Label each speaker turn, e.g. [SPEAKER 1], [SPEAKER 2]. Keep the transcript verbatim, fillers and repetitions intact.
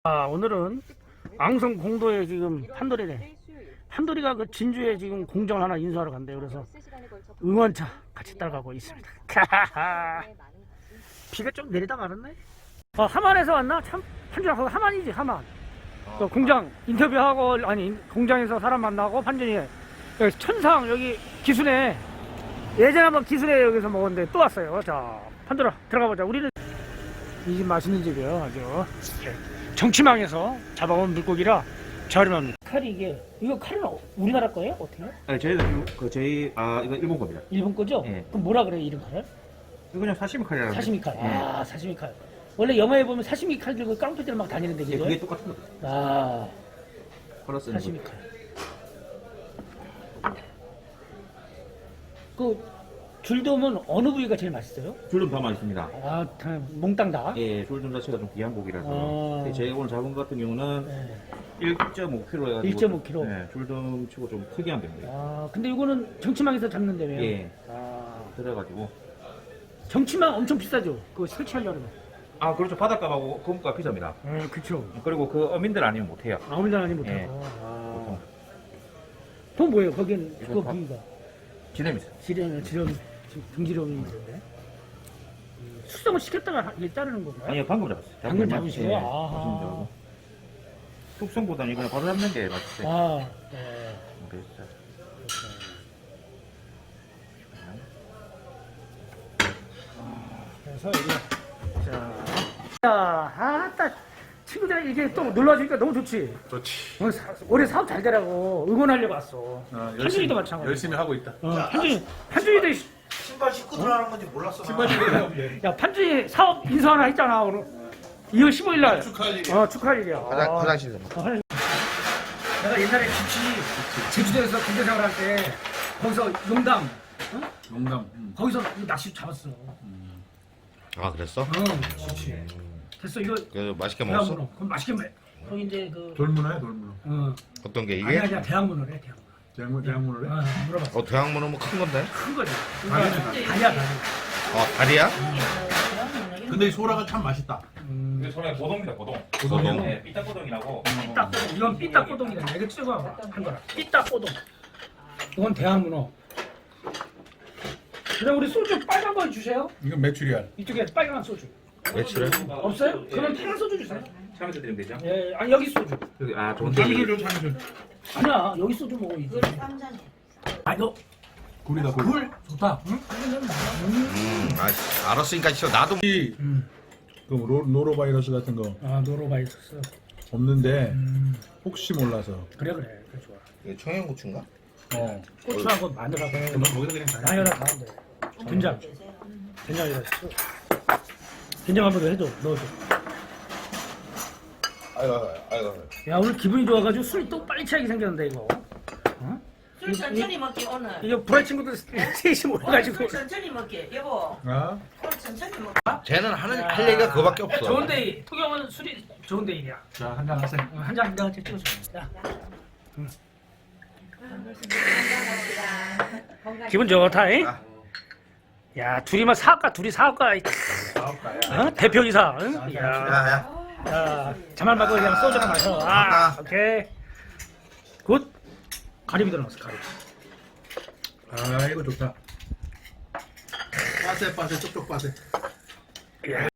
[SPEAKER 1] 아, 오늘은 앙성 공도에 지금 판돌이래. 판돌이가 그 진주에 지금 공장을 하나 인수하러 간대요. 그래서 응원차 같이 따라가고 있습니다. 비가 좀 내리다 말았네. 어, 하만에서 왔나? 참, 판준아, 그거 하만이지, 하만. 그 공장 인터뷰하고, 아니, 공장에서 사람 만나고, 판준이 여기 천상, 여기 기순에, 예전에 한번 기순에 여기서 먹었는데 또 왔어요. 자, 판돌아, 들어가 보자. 우리는 이 집 맛있는 집이에요, 아주. 네. 정치망에서 잡아온 물고기라 저렴합니다. 칼이 이게, 이거 칼은 우리나라 거예요? 어떻게?
[SPEAKER 2] 아니 저희는 그 저희 아 이거 일본 겁니다.
[SPEAKER 1] 일본 거죠?
[SPEAKER 2] 예.
[SPEAKER 1] 그럼 뭐라 그래요, 이름 칼을?
[SPEAKER 2] 이거 그냥 사시미 칼이라고.
[SPEAKER 1] 사시미 칼.
[SPEAKER 2] 예.
[SPEAKER 1] 아, 사시미 칼. 원래 영화에 보면 사시미 칼 들고 깡패들 막 다니는데,
[SPEAKER 2] 예,
[SPEAKER 1] 그죠?
[SPEAKER 2] 그게 똑같은 거죠.
[SPEAKER 1] 아,
[SPEAKER 2] 플러스
[SPEAKER 1] 사시미 칼. 그, 줄돔은 어느 부위가 제일 맛있어요?
[SPEAKER 2] 줄돔 다 맛있습니다.
[SPEAKER 1] 아, 다 몽땅 다?
[SPEAKER 2] 예, 줄돔 자체가 좀 귀한 고기라서.
[SPEAKER 1] 아.
[SPEAKER 2] 예, 제가 오늘 잡은 것 같은 경우는
[SPEAKER 1] 네.
[SPEAKER 2] 일 점 오 킬로그램 해가지고.
[SPEAKER 1] 일 점 오 킬로그램.
[SPEAKER 2] 예, 줄돔 치고 좀 특이한 병이에요.
[SPEAKER 1] 아, 근데 이거는 정치망에서 잡는다며요?
[SPEAKER 2] 예.
[SPEAKER 1] 아,
[SPEAKER 2] 그래가지고.
[SPEAKER 1] 정치망 엄청 비싸죠? 그거 설치하려면.
[SPEAKER 2] 아 그렇죠. 바닷값하고 금값 비쌉니다.
[SPEAKER 1] 아, 그쵸.
[SPEAKER 2] 그리고 그 어민들 아니면 못해요.
[SPEAKER 1] 아무리 나니 못하고.
[SPEAKER 2] 예.
[SPEAKER 1] 아.
[SPEAKER 2] 보통.
[SPEAKER 1] 돈 뭐예요? 거긴
[SPEAKER 2] 이거
[SPEAKER 1] 그거
[SPEAKER 2] 밥-
[SPEAKER 1] 부위가.
[SPEAKER 2] 지냄 있어요.
[SPEAKER 1] 지렴, 지렴, 등지렴이 있는데. 음, 숙성을 시켰다가 하- 이게 자르는 건가요?
[SPEAKER 2] 아니요, 방금 잡았어요.
[SPEAKER 1] 방금
[SPEAKER 2] 잡으면,
[SPEAKER 1] 잡으시고요?
[SPEAKER 2] 예,
[SPEAKER 1] 아하.
[SPEAKER 2] 잡으시면 되고. 숙성보다는 이거 바로 잡는 게 맛있어요.
[SPEAKER 1] 아, 네.
[SPEAKER 2] 그래서
[SPEAKER 1] 그래서 이게 자, 야, 아따 친구들이 이게 또 놀러 와주니까 너무 좋지.
[SPEAKER 3] 좋지.
[SPEAKER 1] 오늘 사, 올해 사업 잘 되라고 응원하려고 왔어.
[SPEAKER 3] 어,
[SPEAKER 1] 한준이도 마찬가지.
[SPEAKER 3] 열심히 하고 있다.
[SPEAKER 1] 어, 한준이, 한준이도 이-
[SPEAKER 4] 신발 신고 들어가는 건지 몰랐어.
[SPEAKER 3] 신발 신고 들어가면
[SPEAKER 1] 야 판준이 사업 인사 하나 했잖아 오늘. 이월 십오일 날.
[SPEAKER 3] 축하할 일이야.
[SPEAKER 1] 어 축하할 일이야.
[SPEAKER 4] 화장,
[SPEAKER 1] 아,
[SPEAKER 4] 화장실에서.
[SPEAKER 1] 어, 화장실. 내가 옛날에 같이 제주도에서 군대 생활할 때 거기서 용담, 어?
[SPEAKER 3] 농담. 음.
[SPEAKER 1] 거기서 낚시 잡았어.
[SPEAKER 4] 아 그랬어?
[SPEAKER 1] 어, 그렇지. 됐어 이거.
[SPEAKER 4] 그래서 맛있게 먹었어?
[SPEAKER 1] 대학문어. 그럼 맛있게 먹. 거기 이제 그
[SPEAKER 3] 돌문어야 돌문어.
[SPEAKER 1] 어.
[SPEAKER 4] 어떤 게
[SPEAKER 1] 아니
[SPEAKER 4] 이게?
[SPEAKER 1] 아니야 대학문어래 대학문어.
[SPEAKER 3] 대학문 대학문어래.
[SPEAKER 1] 아, 물어봐.
[SPEAKER 4] 어 대학문어 뭐 큰 건데?
[SPEAKER 1] 큰 거지.
[SPEAKER 3] 다리네,
[SPEAKER 1] 그러니까 다리야 다리.
[SPEAKER 4] 어 다리야?
[SPEAKER 3] 근데 이 소라가 참 맛있다.
[SPEAKER 1] 음.
[SPEAKER 2] 이게 소라의 고동입니다, 고동.
[SPEAKER 3] 고동이요?
[SPEAKER 2] 네, 삐딱고동이라고.
[SPEAKER 1] 삐딱꼬동. 이건 삐딱꼬동이다. 이거 찍어 한 거라. 삐딱꼬동. 이건 대학문어. 그다음 우리 소주 빨간 거 주세요.
[SPEAKER 3] 이건 메추리알.
[SPEAKER 1] 이쪽에 빨간 소주.
[SPEAKER 4] 매출에?
[SPEAKER 1] 없어요? 그러면 파란 소주 주세요.
[SPEAKER 2] 참여서 드리면 되죠?
[SPEAKER 1] 예, 아니 여기 소주.
[SPEAKER 2] 여기 아 좋은데.
[SPEAKER 3] 참이슬 줘 참이슬.
[SPEAKER 1] 아니야, 여기 소주 먹어 이제. 아, 너
[SPEAKER 3] 굴이다 굴.
[SPEAKER 1] 굴 좋다. 응?
[SPEAKER 4] 음 아, 알았으니까 싫어 나도
[SPEAKER 3] 이
[SPEAKER 1] 음.
[SPEAKER 3] 그 로, 노로바이러스 같은 거
[SPEAKER 1] 아, 노로바이러스.
[SPEAKER 3] 없는데
[SPEAKER 1] 음.
[SPEAKER 3] 혹시 몰라서.
[SPEAKER 1] 그래 그래, 그래 좋아.
[SPEAKER 4] 이게 청양고추인가?
[SPEAKER 3] 어.
[SPEAKER 1] 고추하고 마늘하고
[SPEAKER 3] 그럼 거기다 그냥 다.
[SPEAKER 1] 양념을 다 하면 돼. 된장. 된장이라 했어. 된장 한번 해줘, 넣어줘.
[SPEAKER 4] 아이고 아이고
[SPEAKER 1] 야, 오늘 기분이 좋아가지고 술이 또 빨리 취하게 생겼는데 이거. 어?
[SPEAKER 5] 술 천천히 먹게 오늘.
[SPEAKER 1] 이거 브라이 친구들 셋이 모여가지고.
[SPEAKER 5] 술 천천히 먹게 여보.
[SPEAKER 3] 아?
[SPEAKER 5] 오늘 천천히 먹.
[SPEAKER 4] 쟤는 하는 할 얘기가 그거밖에 없어.
[SPEAKER 1] 좋은 데이. 토경은 술이 좋은 데이야.
[SPEAKER 3] 자 한잔 하세요.
[SPEAKER 1] 어, 한잔 한잔 찍어줘. 야. 응. 기분 좋다, 잉? 야, 둘이만 사업가, 둘이 사업가. 어? 대표이사. 응? 야,
[SPEAKER 4] 야야
[SPEAKER 1] 야, 자말 말고 그냥 소주나 마셔. 아, 오케이. 굿. 가리비 들어놨어, 가리비.
[SPEAKER 3] 아 이거 좋다. 빠세 빠세 쪽쪽 빠세.